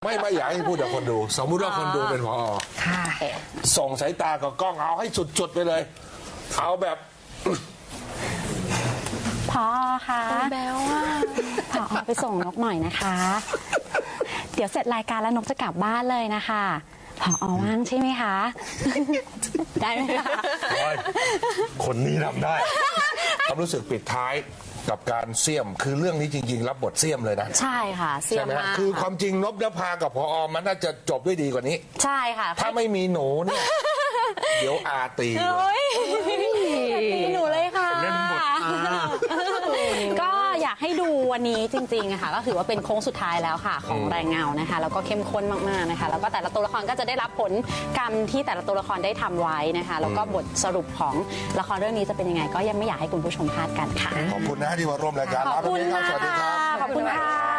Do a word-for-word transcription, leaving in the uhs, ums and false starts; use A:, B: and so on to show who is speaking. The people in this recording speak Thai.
A: ไม่ไม่อยากให้พูดกับคนดู สมมุติว่าคนดูเป็นผอ.
B: ค่ะ
A: ส่งสายตากับกล้องเอาให้สุดๆไปเลย เอาแบบ
B: พอค่ะแบลว่าพอไปส่งนกหน่อยนะคะ เดี๋ยวเสร็จรายการแล้วนกจะกลับบ้านเลยนะคะพอว่างใช่ไหมคะ ได้ไหมคะ
A: คนนี้ทำได้ความรู้สึกปิดท้ายกับการเสี่ยมคือเรื่องนี้จริงๆรับบทเสี่ยมเลยนะ
B: ใช่ค่ะเสี่ยม
A: ใช่ไหม
B: มาก
A: คือความจริงนพนภากับพอมันน่าจะจบด้วยดีกว่านี้
B: ใช่ค่ะ
A: ถ้าไม่มีหนูเนี่ย เดี๋ยวอาตีเลย
B: โอ้ยตีหนูเลยค่ะ
A: เล่นบทอา
B: ก็อยากให้ดูวันนี้จริงๆอะค่ะก็ถือว่าเป็นโค้งสุดท้ายแล้วค่ะ ของแรงเงานะคะแล้วก็เข้มข้นมากๆนะคะแล้วก็แต่ละตัวละครก็จะได้รับผลกรรมที่แต่ละตัวละครได้ทำไว้นะคะแล้วก็บทสรุปของละครเรื่องนี้จะเป็นยังไง ก็ยังไม่อยากให้คุณผู้ชมพลาดกันค่ะ
A: ขอบคุณนะที่มาร่วมรายการ
B: ขอบคุณ
A: ลาไป
B: ค่ะ
A: ก่อนสวัสดีครับ
B: ขอบคุณค่ะ